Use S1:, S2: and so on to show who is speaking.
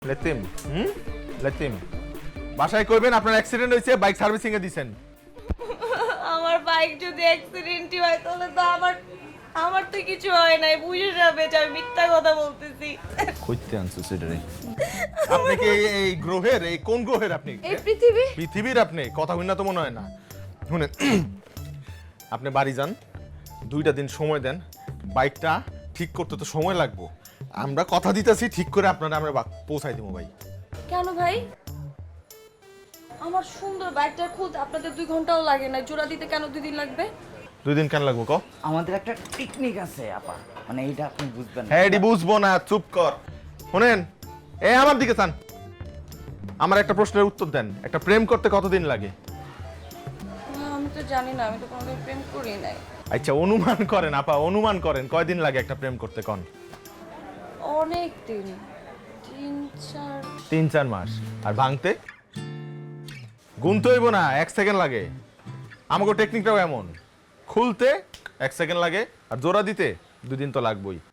S1: লেতিম লেতিম বাসায় কইবেন আপনার অ্যাক্সিডেন্ট হয়েছে, বাইক সার্ভিসিং এ দিছেন।
S2: আমার বাইক যদি অ্যাক্সিডেন্টই হয় তাহলে তো আমার তো কিছু হয় নাই, বুঝে যাবে যে আমি মিথ্যা কথা বলতেছি।
S1: কইতে আনছো সেটারে? আপনি কি এই গ্রহের, এই কোন গ্রহের আপনি?
S2: এই পৃথিবী।
S1: পৃথিবীর আপনি? কথা হইনা তো মনে হয় না। শুনেন, আপনি বাড়ি যান, 2টা দিন সময় দেন, বাইকটা ঠিক করতে তো সময় লাগবে। আমরা কথা দিতেছি ঠিক করে আপনারা আমরা পৌঁছাই দেবো ভাই।
S2: কেন ভাই? আমার সুন্দর বাইকটা খুলতে আপনাদের 2 ঘন্টাও লাগে না, জোড়া দিতে কেন 2 দিন লাগবে?
S1: 2 দিন কেন লাগবো ক?
S3: আমাদের একটা টেকনিক আছে আপা, মানে এইটা আপনি বুঝবেন না।
S1: হ্যাঁ এটি বুঝবো না, চুপ কর। শুনেন, আমার দিকে চান, আমার একটা প্রশ্নের উত্তর দেন। একটা প্রেম করতে কতদিন লাগে?
S2: আমি তো জানি না, আমি তো কোনোদিন প্রেম করি নাই।
S1: আচ্ছা অনুমান করেন আপা, অনুমান করেন কয়দিন লাগে একটা প্রেম করতে কন?
S2: অনেক দিন, 3-4।
S1: 3-4 মাস। আর ভাঙতে? গুনতে হইব না, 1 সেকেন্ড লাগে। আমাকে টেকনিকটাও এমন, খুলতে 1 সেকেন্ড লাগে, আর জোড়া দিতে 2 দিন তো লাগবেই।